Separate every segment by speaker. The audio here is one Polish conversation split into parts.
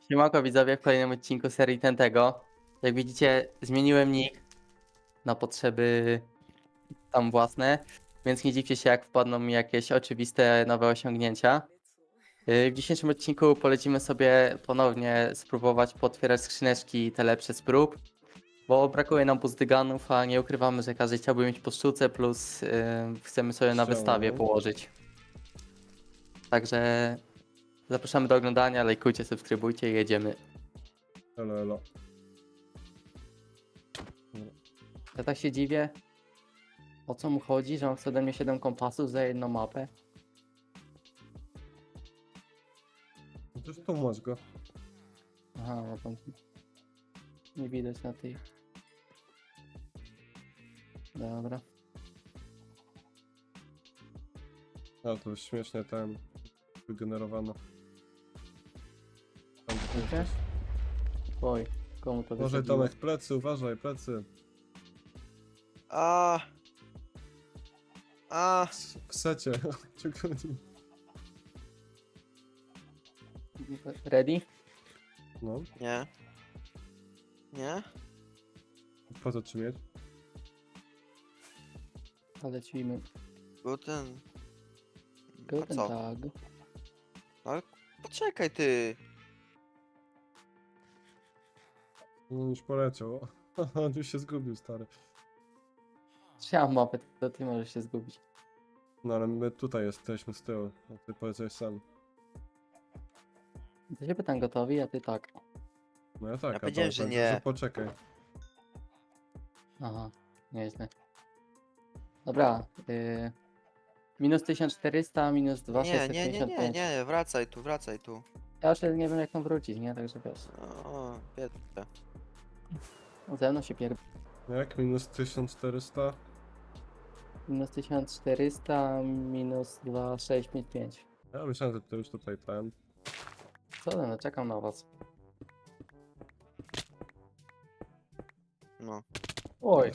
Speaker 1: Siemanko widzowie, w kolejnym odcinku serii Tentego. Jak widzicie, zmieniłem nick na potrzeby tam własne, więc nie dziwcie się, jak wpadną mi jakieś oczywiste nowe osiągnięcia. W dzisiejszym odcinku polecimy sobie ponownie spróbować potwierać skrzyneczki te lepsze z prób, bo brakuje nam buzdyganów, a nie ukrywamy, że każdy chciałby mieć po sztuce, plus chcemy sobie na wystawie położyć. Także zapraszamy do oglądania, lajkujcie, subskrybujcie i jedziemy.
Speaker 2: Elo, elo.
Speaker 1: Ja tak się dziwię, o co mu chodzi, że on chce ode mnie 7 kompasów za jedną mapę.
Speaker 2: No to tłumacz go.
Speaker 1: Aha, no tam nie widać na tej. Dobra.
Speaker 2: A to śmiesznie ten wygenerowano. Tam gdzie ty
Speaker 1: Okej.
Speaker 2: jesteś.
Speaker 1: Oj, komu to
Speaker 2: Uważaj
Speaker 1: wysadziło?
Speaker 2: Tomek, plecy, uważaj, plecy.
Speaker 3: A. A.
Speaker 2: W secie. Cię goni.
Speaker 1: Ready?
Speaker 2: No,
Speaker 3: Nie. Nie?
Speaker 2: po co ci mieć?
Speaker 1: Ale lecimy.
Speaker 3: Był ten. A
Speaker 1: Guten
Speaker 3: co?
Speaker 1: Tag.
Speaker 3: Ale poczekaj ty.
Speaker 2: No już poleciał. On już się zgubił, stary.
Speaker 1: Ja mam mapę, to ty możesz się zgubić.
Speaker 2: No ale my tutaj jesteśmy z tyłu, a ty poleciałeś sam.
Speaker 1: To się pytam gotowi, a ty tak.
Speaker 2: No ja tak,
Speaker 3: Ja
Speaker 2: a
Speaker 3: powiedziałem,
Speaker 2: Tomek
Speaker 3: że
Speaker 2: powiedział,
Speaker 3: nie.
Speaker 2: poczekaj.
Speaker 1: Aha, nieźle. Dobra, minus 1400, minus
Speaker 3: Nie, nie, nie, nie,
Speaker 1: 2655.
Speaker 3: nie, wracaj tu, wracaj tu.
Speaker 1: Ja już nie wiem jak tam wrócić, nie? Także wiesz.
Speaker 3: O, biedne.
Speaker 1: Ze mną się pierd...
Speaker 2: Jak? Minus 1400?
Speaker 1: Minus 1400, minus 2655.
Speaker 2: Ja myślałem, że ty już tutaj ten.
Speaker 1: Co no, czekam na was.
Speaker 3: No.
Speaker 1: Oj,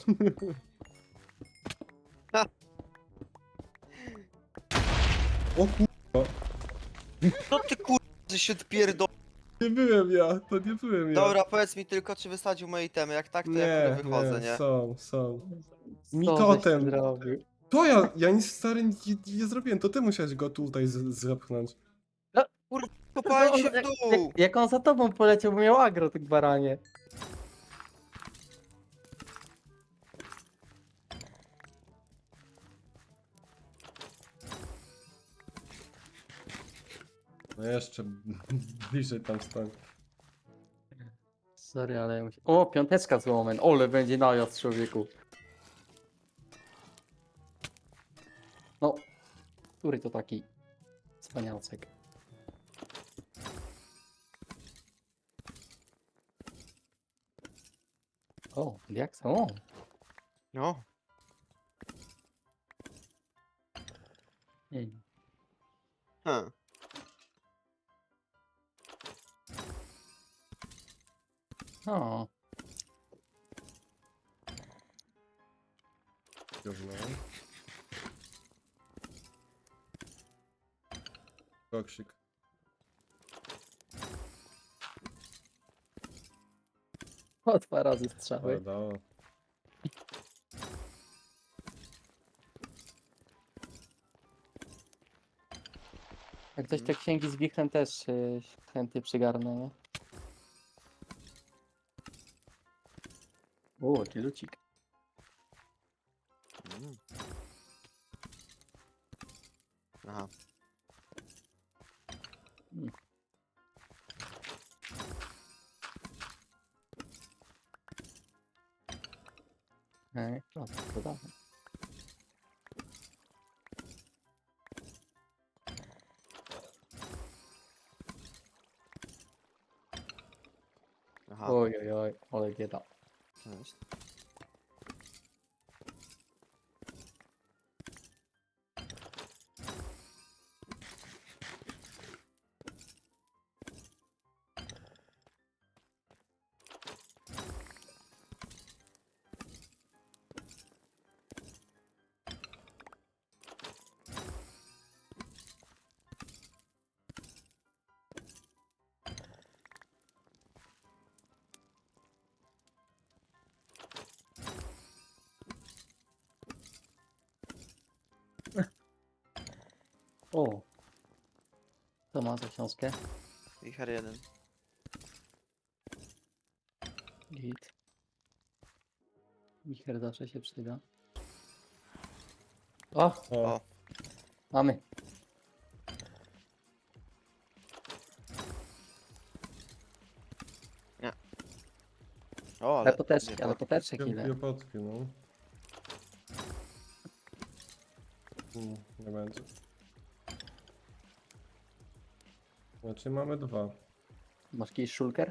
Speaker 2: O kurwa,
Speaker 3: No ty kur... że się odpierdol...
Speaker 2: nie byłem ja, to nie byłem ja.
Speaker 3: Dobra, powiedz mi tylko, czy wysadził moje itemy. Jak tak, to ja kurde wychodzę, nie?
Speaker 2: są.
Speaker 1: co
Speaker 2: Mi
Speaker 1: żeś
Speaker 2: totem.
Speaker 1: zrobił?
Speaker 2: To ja nic stary nie zrobiłem, to ty musiałeś go tutaj zepchnąć.
Speaker 3: Kopałem się w dół!
Speaker 1: Jak on za tobą poleciał, bo miał agro, ty baranie.
Speaker 2: No jeszcze bliżej tam stań.
Speaker 1: Sorry, ale... O, piąteczka z łomem. Ole, będzie najazd, człowieku. No, który to taki wspaniałcek? O, jak są?
Speaker 3: No.
Speaker 1: Hmm.
Speaker 3: Hm.
Speaker 1: O,
Speaker 2: Gówno. Koksik.
Speaker 1: o, 2 razy strzały.
Speaker 2: Dało.
Speaker 1: Jak ktoś te księgi z wichrem też chętnie przygarnę, nie? O, jaki lucik.
Speaker 3: Mm. Aha.
Speaker 1: Ej, to dawaj.
Speaker 3: Aha.
Speaker 1: Oj, oj, oj, ale bieda.
Speaker 3: Cześć.
Speaker 1: O! To ma za książkę.
Speaker 3: Wicher 1.
Speaker 1: Git. Wicher zawsze się przyda. O!
Speaker 2: O,
Speaker 3: O.
Speaker 1: Mamy.
Speaker 3: O,
Speaker 1: Ale poteczki,
Speaker 3: nie,
Speaker 1: ale poteczek ile?
Speaker 2: piopotki, no. Nie będzie. Znaczy mamy 2.
Speaker 1: Masz jakiś szulker?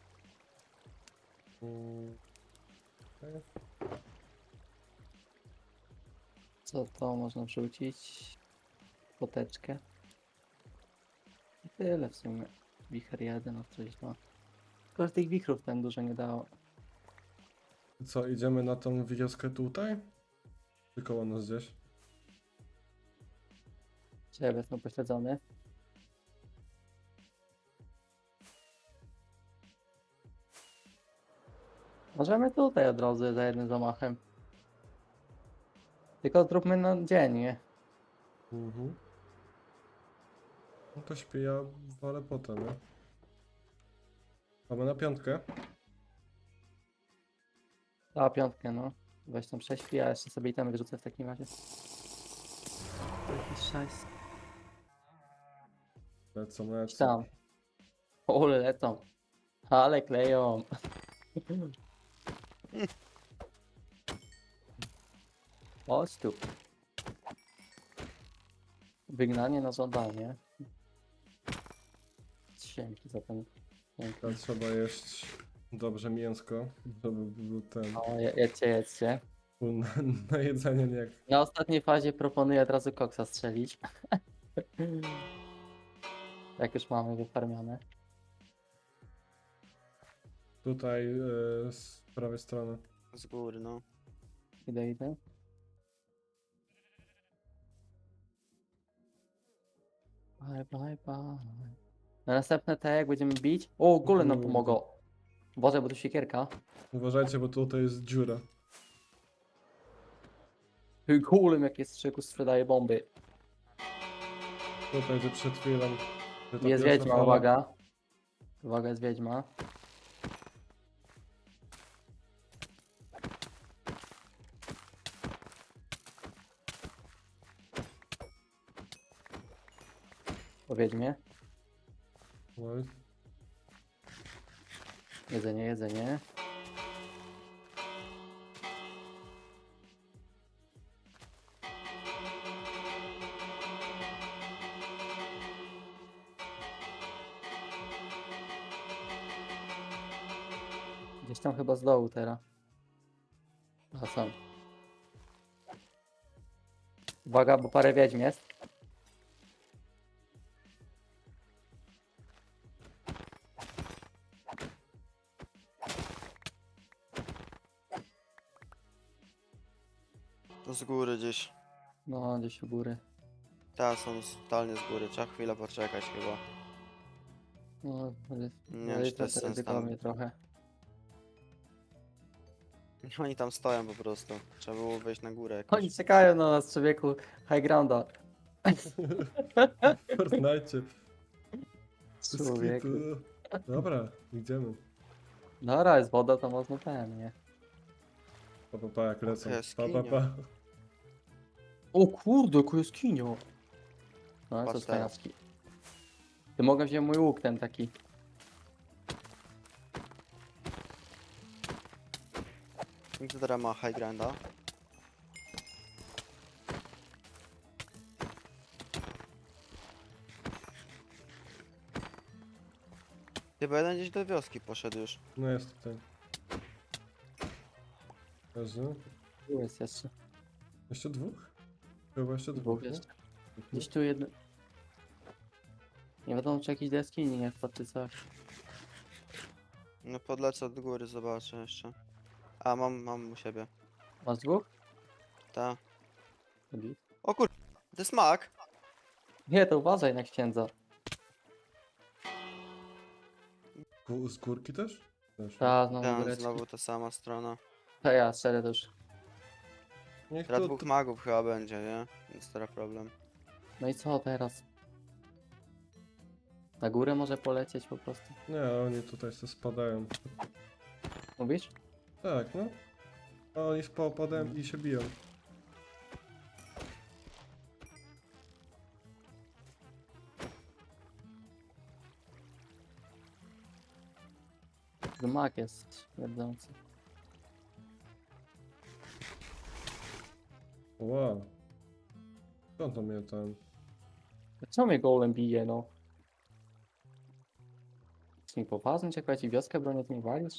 Speaker 2: Okej.
Speaker 1: Co to można wrzucić? Poteczkę. I tyle w sumie. Wicher 1, coś 2. Tylko, że tych wichrów ten dużo nie dało.
Speaker 2: Co, idziemy na tą wioskę tutaj? Czy koło nas gdzieś?
Speaker 1: Ciebie są pośledzony. Możemy tutaj od razu za jednym zamachem. Tylko zróbmy na dzień, nie?
Speaker 2: Mhm. No to śpię, ja walę potem, nie? Mamy na 5.
Speaker 1: A, piątkę, no. Weź tam prześpi, a jeszcze sobie itemy wyrzucę w takim razie. Jakiś szajs.
Speaker 2: Lecą.
Speaker 1: Tam. Ole lecą. Ale kleją. Chodź tu. Wygnanie na żądanie. Dzięki za ten. Dzięki.
Speaker 2: Teraz trzeba jeść dobrze mięsko, żeby był ten...
Speaker 1: O, jedźcie.
Speaker 2: Na, na jedzenie nie jak...
Speaker 1: Na ostatniej fazie proponuję od razu koksa strzelić. Jak już mamy wyfarmione.
Speaker 2: Tutaj z prawej strony.
Speaker 3: Z góry, no.
Speaker 1: Idę. Bye. Na następne te jak będziemy bić. O, gole nam
Speaker 2: Kurde.
Speaker 1: pomogą. Uważaj, bo tu siekierka.
Speaker 2: Uważajcie, bo tutaj jest dziura.
Speaker 1: Golem jakie strzyku sprzedaje bomby.
Speaker 2: Tutaj, gdzie przed chwilą... gdzie ta
Speaker 1: Jest
Speaker 2: pierwsza
Speaker 1: wiedźma,
Speaker 2: fala-
Speaker 1: uwaga. Uwaga, jest wiedźma. Po wiedźmie.
Speaker 2: Oj,
Speaker 1: Jedzenie. Gdzieś tam chyba z dołu teraz. A są. Uwaga, bo parę wiedźm jest.
Speaker 3: To z góry gdzieś.
Speaker 1: No, gdzieś u góry.
Speaker 3: Teraz są totalnie z góry. Trzeba chwilę poczekać chyba.
Speaker 1: No,
Speaker 3: Nie wiem, czy to jest sens tam.
Speaker 1: ryzykownie trochę.
Speaker 3: Oni tam stoją po prostu. Trzeba było wejść na górę jakoś.
Speaker 1: Oni czekają na nas, człowieku. High grounda.
Speaker 2: w Fortnite.
Speaker 1: Człowieku.
Speaker 2: Dobra, idziemy.
Speaker 1: Dobra, jest woda, to można ten, nie?
Speaker 2: Pa, jak lecą.
Speaker 3: jaskinia.
Speaker 2: Pa.
Speaker 1: O kurde, jaką jaskinio. No,
Speaker 3: Patrz
Speaker 1: co z
Speaker 3: teraz.
Speaker 1: fajowski. Ty mogę wziąć mój łuk ten taki.
Speaker 3: Kto teraz ma high granda? Chyba jeden gdzieś do wioski poszedł już.
Speaker 2: No jest tutaj. Leży.
Speaker 1: Tu jest jeszcze.
Speaker 2: Jeszcze 2? Chyba jeszcze 2.
Speaker 1: Dwóch jeszcze. Gdzieś tu jeden. Nie wiadomo, czy jakieś do jaskini nie wpadł, czy coś.
Speaker 3: No podlecę od góry, zobaczę jeszcze. A, mam u siebie.
Speaker 1: Masz dwóch?
Speaker 3: Ta.
Speaker 1: Git.
Speaker 3: O kur... To jest mak!
Speaker 1: Nie, to uważaj na księdza.
Speaker 2: Z górki też? Też.
Speaker 1: Ta, znowu
Speaker 3: Tam
Speaker 1: góreczki.
Speaker 3: znowu ta sama strona.
Speaker 1: To ja strzelę to już.
Speaker 2: Niech
Speaker 3: Teraz
Speaker 2: to,
Speaker 3: dwóch magów chyba będzie, nie? Więc teraz problem.
Speaker 1: No i co teraz? Na górę może polecieć po prostu?
Speaker 2: Nie, oni tutaj sobie spadają.
Speaker 1: Mówisz?
Speaker 2: Tak, no. A oni spadają i się biją.
Speaker 1: Gmak jest śmierdzący.
Speaker 2: Wow. Skąd to mnie tam?
Speaker 1: Co mnie golem bije, no? Czy mi poważnie, czy jak ci wioskę bronię, ty mi walisz?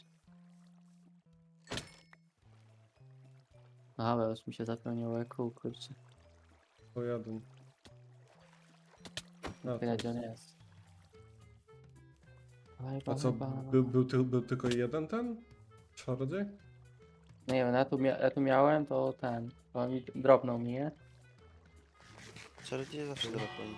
Speaker 1: A, bo już mi się zapełniło kół, kurczę.
Speaker 2: To jeden. A,
Speaker 1: Tyle,
Speaker 2: to...
Speaker 1: gdzie on jest.
Speaker 2: A co, był tylko jeden ten? Czarodziej?
Speaker 1: Nie wiem, ja tu miałem, to ten. To mi dropnął mi, nie?
Speaker 3: Czarodzieje zawsze dropią.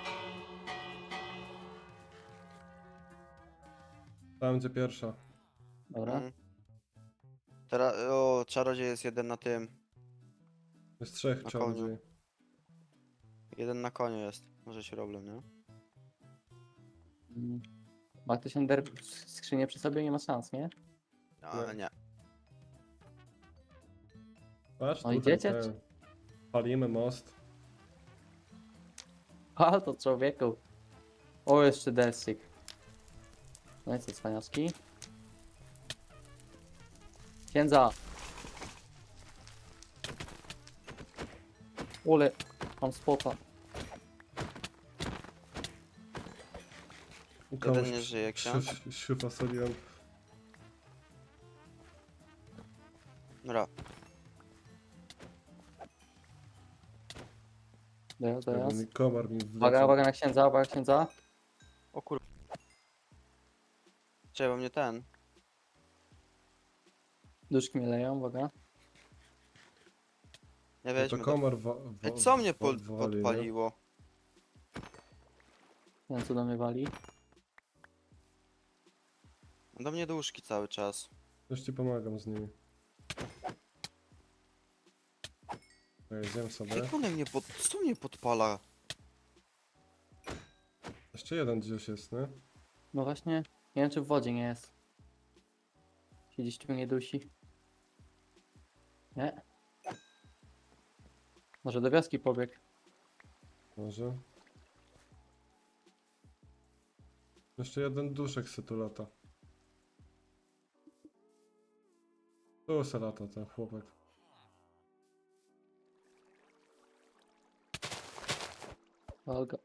Speaker 2: Tam gdzie pierwsza.
Speaker 1: Dobra.
Speaker 3: Teraz, o, czarodziej jest jeden na tym.
Speaker 2: Jest trzech
Speaker 3: Na
Speaker 2: czarodziej.
Speaker 3: Jeden na koniu jest. Może się problem, nie?
Speaker 1: Mm. Ma ktoś ender skrzynię przy sobie? Nie ma szans, nie?
Speaker 3: A,
Speaker 2: Nie.
Speaker 3: nie.
Speaker 2: Patrz,
Speaker 1: No
Speaker 2: tutaj
Speaker 1: idziecie,
Speaker 2: ten. Palimy most.
Speaker 1: A, to człowieku. O, jeszcze desik. No i co, cwaniaczki? Księdza! Ule, mam spota.
Speaker 3: Jeden nie żyje, ksiądz.
Speaker 2: Siupa soliłem.
Speaker 3: Dobra.
Speaker 1: Teraz.
Speaker 2: Komar mi
Speaker 1: Uwaga,
Speaker 2: wleciał.
Speaker 1: uwaga na księdza, uwaga księdza.
Speaker 3: O kur... Czekaj, bo mnie ten.
Speaker 1: Duszki mnie leją, uwaga.
Speaker 3: Nie
Speaker 2: No to
Speaker 3: weźmy go.
Speaker 2: komar
Speaker 3: Ej, co mnie
Speaker 2: wali, nie?
Speaker 3: podpaliło?
Speaker 1: Ten co do mnie wali.
Speaker 3: Do mnie duszki cały czas.
Speaker 2: Już ci pomagam z nimi. Zjem sobie.
Speaker 3: Jak one mnie co mnie podpala?
Speaker 2: Jeszcze jeden gdzieś jest, nie?
Speaker 1: No właśnie, nie wiem czy w wodzie nie jest. Się gdzieś tu nie dusi. Nie? Może do wioski pobiegł.
Speaker 2: Może. Jeszcze jeden duszek se tu lata. Tu se lata ten chłopak.
Speaker 1: Olga.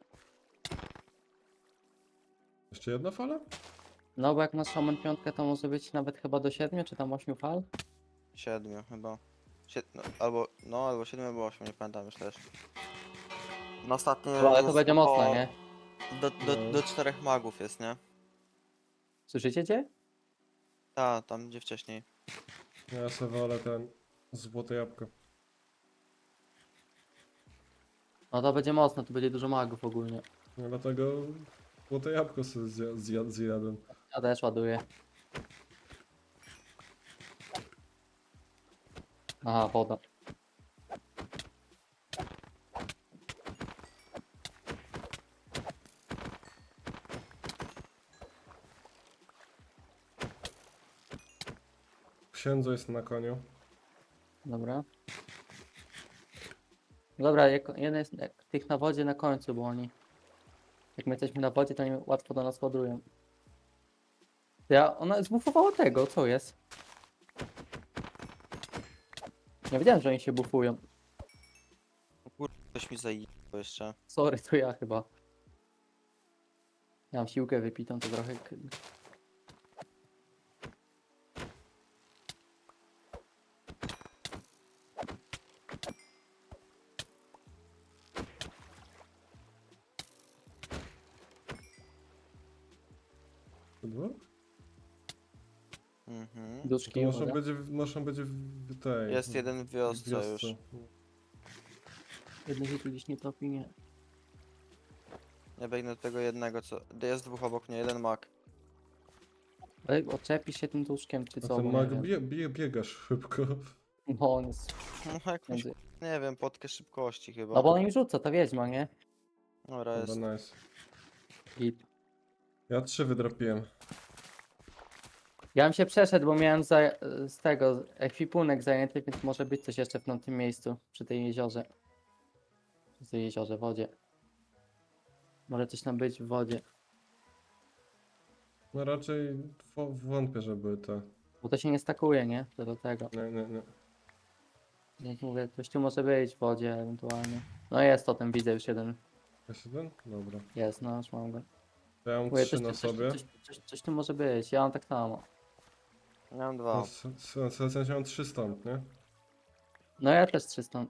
Speaker 2: Jeszcze jedna fala?
Speaker 1: No bo jak masz Shaman 5 to może być nawet chyba do 7 czy tam 8 fal.
Speaker 3: 7 chyba. Albo 7 albo 8, nie pamiętam już też. No ostatnio
Speaker 1: No, ale to
Speaker 3: jest
Speaker 1: będzie
Speaker 3: około-
Speaker 1: mocne, nie?
Speaker 2: No.
Speaker 3: Do 4 magów jest, nie?
Speaker 1: Słyszycie cię?
Speaker 3: Ta, tam gdzie wcześniej.
Speaker 2: Ja se wolę ten złote jabłko.
Speaker 1: No to będzie mocne, tu będzie dużo magów ogólnie.
Speaker 2: No dlatego złote jabłko sobie zjadłem.
Speaker 1: Ja też ładuję. Aha, woda.
Speaker 2: Księdzo jest na koniu.
Speaker 1: Dobra. Dobra, jeden jest tych na wodzie na końcu, bo oni... Jak my jesteśmy na wodzie, to oni łatwo do nas ładują. Ona zbufowała tego, co jest? Nie wiedziałem, że oni się bufują.
Speaker 3: O kurde, ktoś mi zajebał jeszcze.
Speaker 1: Sorry, to ja chyba. Ja mam siłkę wypitą, to trochę...
Speaker 2: Dwóch?
Speaker 3: Mhm.
Speaker 2: To
Speaker 1: Duszki, uwaga.
Speaker 2: muszą być w tej...
Speaker 3: Jest jeden w wiosce już.
Speaker 1: Jeden się tu gdzieś nie topi, nie.
Speaker 3: Ja biegnę do tego jednego, co... Jest dwóch obok mnie, jeden mag.
Speaker 1: Ale odczepisz się tym duszkiem, czy
Speaker 2: A
Speaker 1: co?
Speaker 2: ten
Speaker 1: bo
Speaker 2: mag
Speaker 1: nie wiem.
Speaker 2: biegasz szybko.
Speaker 1: No on jest...
Speaker 3: No jakąś,
Speaker 1: między-
Speaker 3: nie wiem, podkę szybkości chyba.
Speaker 1: No bo on im rzuca, ta wiedźma, nie?
Speaker 3: Dobra, jest.
Speaker 2: Dobra, nice.
Speaker 1: Git.
Speaker 2: Ja 3 wydropiłem.
Speaker 1: Ja bym się przeszedł, bo miałem z tego ekwipunek zajęty, więc może być coś jeszcze w tym miejscu, przy tej jeziorze. Przy tej jeziorze, wodzie. Może coś tam być w wodzie.
Speaker 2: No raczej wątpię, żeby te...
Speaker 1: Bo to się nie stakuje, nie? To do tego.
Speaker 2: Nie.
Speaker 1: Jak mówię, coś tu może być w wodzie ewentualnie. No jest to, ten widzę już jeden.
Speaker 2: Jest jeden? Dobra.
Speaker 1: Jest, no już mam go.
Speaker 2: To ja mam
Speaker 1: Mówię,
Speaker 2: 3 na sobie.
Speaker 1: coś tu może być, ja mam tak samo.
Speaker 3: Ja mam
Speaker 2: No,
Speaker 3: dwa.
Speaker 2: w sensie mam 3 stąd, nie?
Speaker 1: No ja też 300.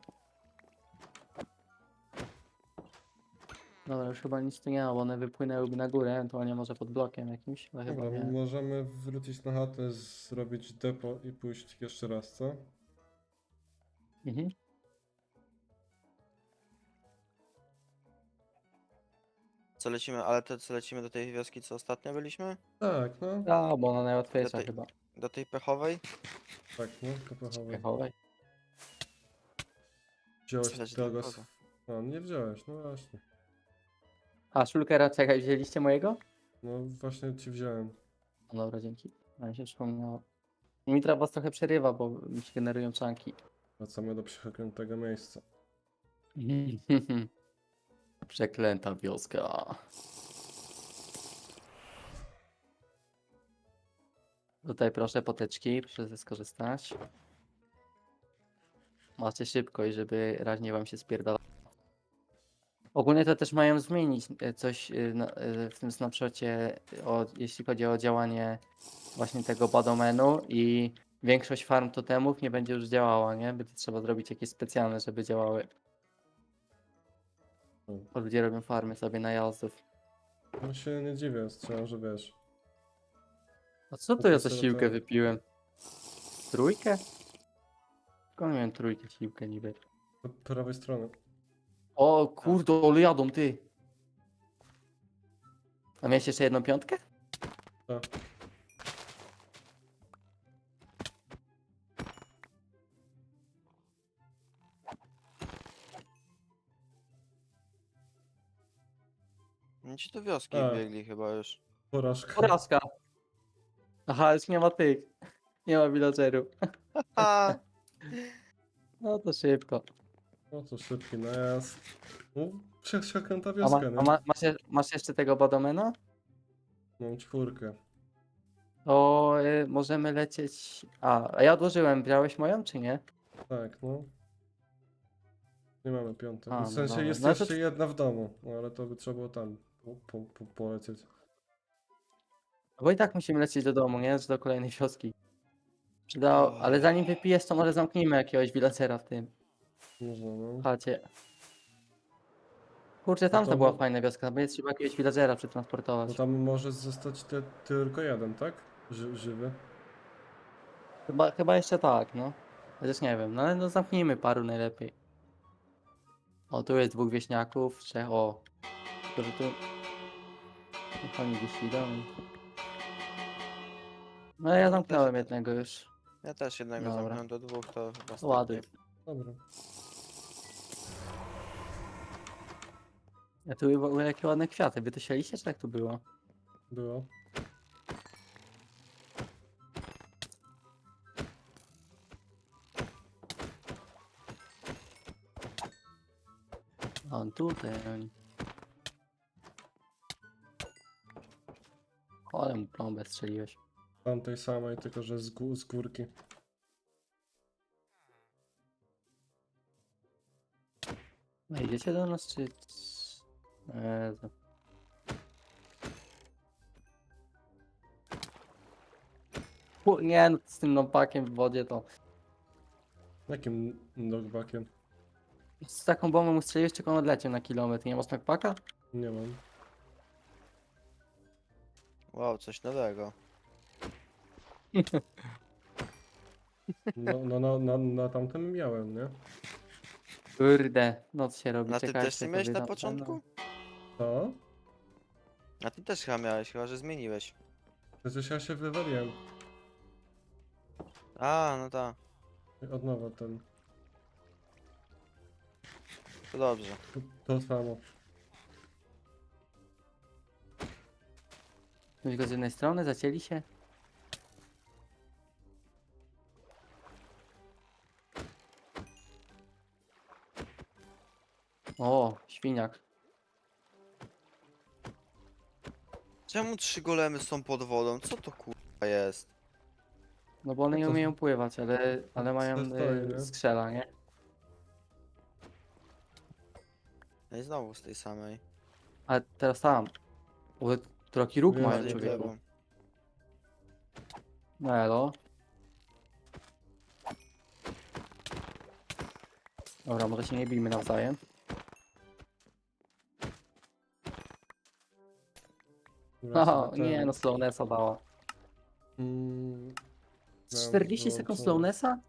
Speaker 1: Dobra, już chyba nic tu nie ma, bo one wypłynęłyby na górę, ewentualnie może pod blokiem jakimś, ale chyba
Speaker 2: Dobra,
Speaker 1: nie.
Speaker 2: możemy wrócić na chatę, zrobić depo i pójść jeszcze raz, co?
Speaker 1: Mhm.
Speaker 3: Co lecimy, ale to co lecimy do tej wioski, co ostatnio byliśmy?
Speaker 2: Tak, no.
Speaker 1: A, bo ona najłatwiejsza
Speaker 3: tej-
Speaker 1: chyba.
Speaker 3: Do tej pechowej?
Speaker 2: Tak, no, to pochowaj.
Speaker 1: Piechowej.
Speaker 2: Wziąłeś
Speaker 3: Słychać
Speaker 2: tego...
Speaker 3: tylko.
Speaker 2: No, nie wziąłeś, no właśnie.
Speaker 1: A, Shulkera, czekaj, wzięliście mojego?
Speaker 2: No właśnie ci wziąłem.
Speaker 1: No dobra, dzięki. A mi się przypomniało. Mitra was trochę przerywa, bo mi się generują czanki.
Speaker 2: Wracamy do przeklętego miejsca.
Speaker 1: Przeklęta wioska. Tutaj proszę poteczki, proszę skorzystać. Macie szybko i żeby raźnie wam się spierdala. Ogólnie to też mają zmienić coś w tym snapshocie, jeśli chodzi o działanie właśnie tego badomenu i większość farm totemów nie będzie już działała, nie? Będzie trzeba zrobić jakieś specjalne, żeby działały. Bo ludzie robią farmy sobie najazdów.
Speaker 2: No się nie dziwię, strzelam, że wiesz.
Speaker 1: A co to ja za siłkę wypiłem? Trójkę? Skąd miałem trójkę siłkę niby?
Speaker 2: Od prawej strony.
Speaker 1: O kurde, ale jadą ty! A miałeś jeszcze jedną piątkę?
Speaker 2: Tak.
Speaker 3: Oni ci do wioski
Speaker 2: A.
Speaker 3: biegli chyba już.
Speaker 2: Porażka.
Speaker 1: Porażka. Aha, już nie ma tych. Nie ma villagerów.
Speaker 3: A,
Speaker 1: No to szybko.
Speaker 2: No to szybki najazd. No, przeklęta
Speaker 1: A,
Speaker 2: wioska, nie?
Speaker 1: masz jeszcze tego badomena?
Speaker 2: Mam 4.
Speaker 1: To możemy lecieć. A ja odłożyłem. Brałeś moją, czy nie?
Speaker 2: Tak, no. Nie mamy 5.
Speaker 1: A,
Speaker 2: W
Speaker 1: no
Speaker 2: sensie
Speaker 1: dobra.
Speaker 2: jest
Speaker 1: No to-
Speaker 2: jeszcze jedna w domu, no ale to by trzeba było tam polecieć.
Speaker 1: Bo i tak musimy lecieć do domu, nie? Do kolejnej wioski. Ale zanim wypijesz, to może zamknijmy jakiegoś villagera w tym
Speaker 2: Można, no.
Speaker 1: chacie. Kurczę, tam
Speaker 2: to
Speaker 1: to była
Speaker 2: mo-
Speaker 1: fajna wioska, będzie trzeba jakiegoś villagera
Speaker 2: Bo
Speaker 1: przetransportować.
Speaker 2: tam może zostać tylko jeden, tak? Żywy.
Speaker 1: Chyba jeszcze tak, no. Chociaż nie wiem, no ale no zamknijmy paru najlepiej. O, tu jest 2 wieśniaków, 3, o. Którzy tu... Niech oni gdzieś idą. No ja zamknąłem jednego już.
Speaker 3: ja też jednego
Speaker 1: Dobra.
Speaker 3: zamknąłem do 2, to chyba
Speaker 1: To ładuj.
Speaker 3: starczy.
Speaker 2: Dobra.
Speaker 1: A tu w ogóle jakie ładne kwiaty. Wy to sialiście, czy jak tu było?
Speaker 2: Było.
Speaker 1: O, tutaj oni. Ale mu plombę strzeliłeś.
Speaker 2: Tamtej samej, tylko że z górki.
Speaker 1: No idziecie do nas, czy... Jezu. Nie, no z tym nopakiem w wodzie to...
Speaker 2: Jakim knockbackiem?
Speaker 1: Z taką bombą mu strzeliłeś, tylko on odleciał na kilometr. Nie masz knockbacka?
Speaker 2: Nie mam.
Speaker 3: Wow, coś nowego.
Speaker 2: No, na tamtym miałem, nie?
Speaker 1: Kurde, noc się robi,
Speaker 3: Na tym
Speaker 1: czekajcie.
Speaker 3: też nie
Speaker 1: to
Speaker 3: miałeś na
Speaker 1: wydam-
Speaker 3: początku?
Speaker 2: To?
Speaker 3: Na tym też chyba miałeś, chyba że zmieniłeś.
Speaker 2: Przecież ja się wywaliłem.
Speaker 3: A, no tak,
Speaker 2: Od nowa ten.
Speaker 3: to dobrze.
Speaker 2: To samo.
Speaker 1: Tylko z jednej strony zacięli się. O, świniak.
Speaker 3: Czemu 3 golemy są pod wodą? Co to kurwa jest?
Speaker 1: No bo one nie
Speaker 2: To-
Speaker 1: umieją pływać, ale mają
Speaker 2: stoi, nie?
Speaker 1: skrzela, nie?
Speaker 3: No i znowu z tej samej.
Speaker 1: Ale teraz tam. O, trochę róg
Speaker 2: Wiem,
Speaker 1: mają,
Speaker 3: Bardziej w
Speaker 2: człowieku.
Speaker 3: lewo.
Speaker 1: No elo. Dobra, może się nie bijmy nawzajem.
Speaker 2: Dobra,
Speaker 1: O,
Speaker 2: sobie
Speaker 1: nie
Speaker 2: ten-
Speaker 1: no, slownessa dała.
Speaker 2: Mm,
Speaker 1: Z
Speaker 2: miałem
Speaker 1: 40 sekund
Speaker 2: wyłączone.
Speaker 1: slownessa?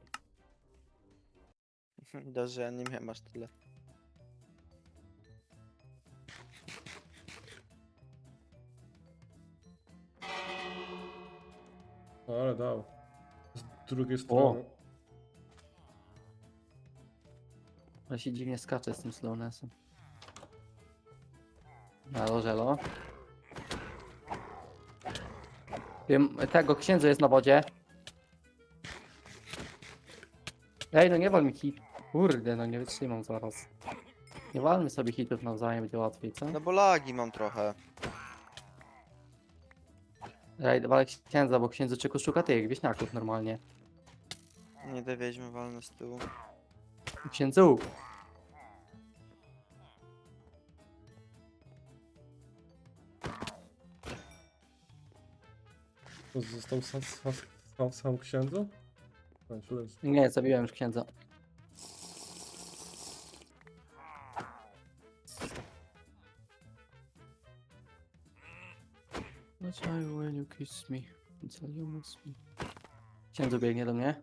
Speaker 3: Widać, że ja nie miałem aż tyle.
Speaker 2: O, ale dał. Z drugiej strony.
Speaker 1: Ale się dziwnie skacze z tym slownessem. Elo, żelo. Tego księdza jest na wodzie. Ej, no nie wal mi hit. Kurde, no nie wytrzymam zaraz. Nie walmy sobie hitów nawzajem, będzie łatwiej, co?
Speaker 3: No bo lagi mam trochę.
Speaker 1: Ej, walę księdza, bo księdzu czyku szuka tych wieśniaków normalnie.
Speaker 3: Nie te wiedźmy walne z tyłu.
Speaker 1: Księdzu!
Speaker 2: To został sam księdzu? No, źle.
Speaker 1: Nie, zabiłem już księdza. That's why when you kiss me, it's all you miss me. Księdzu biegnie do mnie.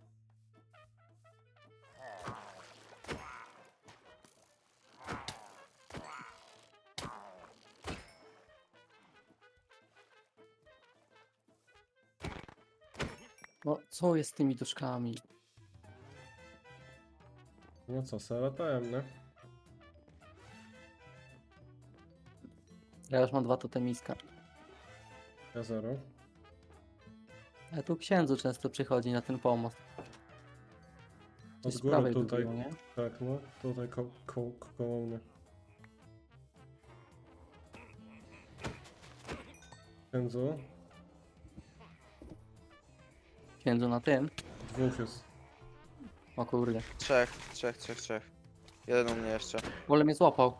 Speaker 1: No, co jest z tymi duszkami?
Speaker 2: No co, se latałem, nie?
Speaker 1: Ja już mam 2 totemiska.
Speaker 2: Ja 0.
Speaker 1: A tu księdzu często przychodzi na ten pomost.
Speaker 2: Od
Speaker 1: Gdzieś z
Speaker 2: góry
Speaker 1: prawej
Speaker 2: tutaj.
Speaker 1: lubią, nie?
Speaker 2: Tak, no. Tutaj koło mnie. Księdzu.
Speaker 1: Księdzu na tym.
Speaker 2: 2 jest.
Speaker 1: O kurde.
Speaker 3: Trzech. Jeden u mnie jeszcze.
Speaker 1: Wolę mnie złapał.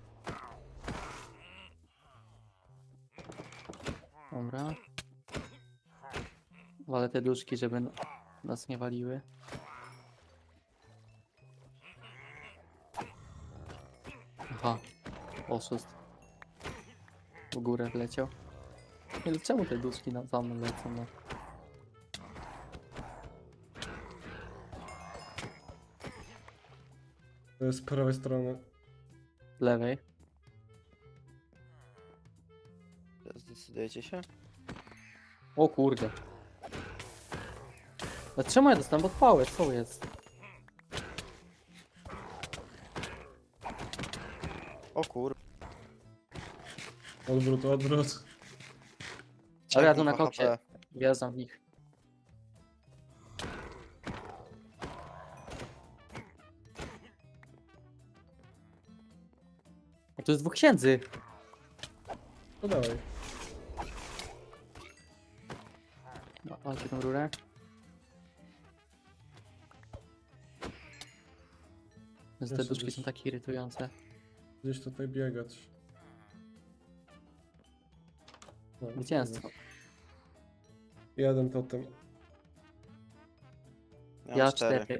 Speaker 1: Dobra. Walę te duszki, żeby nas nie waliły. Aha. Oszust. W górę wleciał. Nie, no czemu te duszki za mną lecą? No?
Speaker 2: To jest z prawej strony.
Speaker 1: Z lewej.
Speaker 3: Zdecydujecie się?
Speaker 1: O kurde. A czemu ja dostałem podpałę? Co jest?
Speaker 3: O kur...
Speaker 2: Odwrót.
Speaker 1: Ale ja tu na
Speaker 3: 2
Speaker 1: koksie.
Speaker 3: HP.
Speaker 1: Wjeżdżam w nich. A tu jest 2 księdzy.
Speaker 2: No dawaj.
Speaker 1: No, walcie tą rurę. Te
Speaker 2: Jeszcze
Speaker 1: duszki
Speaker 2: gdzieś.
Speaker 1: są takie irytujące.
Speaker 2: Gdzieś tutaj biegać. No,
Speaker 1: Zwycięstwo.
Speaker 2: Jeden totem.
Speaker 3: Ja
Speaker 1: Ja
Speaker 3: mam 4.
Speaker 1: 4.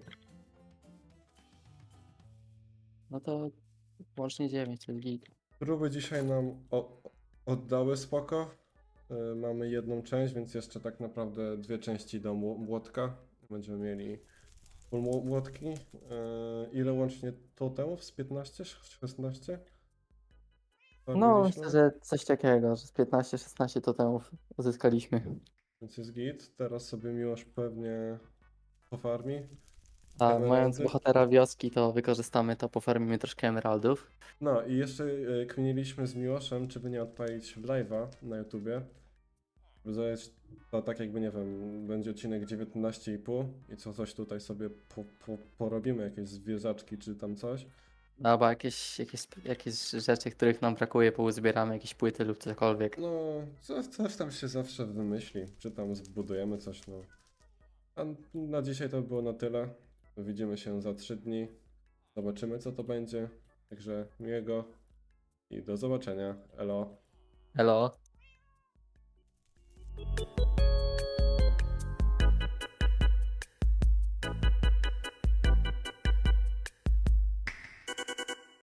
Speaker 1: No to łącznie 9, to jest git.
Speaker 2: Próby dzisiaj nam oddały spoko. Mamy jedną część, więc jeszcze tak naprawdę 2 części do młotka. Będziemy mieli full młotki. Ile łącznie totemów? Z 15? 16?
Speaker 1: No,
Speaker 2: Zabiliśmy?
Speaker 1: myślę, że coś takiego, że z 15-16 totemów uzyskaliśmy.
Speaker 2: Więc jest git. Teraz sobie Miłosz pewnie pofarmi.
Speaker 1: A
Speaker 2: Emeraldy.
Speaker 1: mając bohatera wioski, to wykorzystamy to, pofarmimy troszkę emeraldów.
Speaker 2: No i jeszcze kminiliśmy z Miłoszem, czy by nie odpalić live'a na YouTubie. zrobić to tak jakby, nie wiem, będzie odcinek 19,5 i coś tutaj sobie porobimy, jakieś zwierzaczki czy tam coś.
Speaker 1: Albo jakieś rzeczy, których nam brakuje, pouzbieramy, jakieś płyty lub cokolwiek.
Speaker 2: No, coś tam się zawsze wymyśli, czy tam zbudujemy coś, no. A na dzisiaj to było na tyle. Widzimy się za 3 dni. Zobaczymy, co to będzie. Także miłego i do zobaczenia. Elo.
Speaker 1: Elo.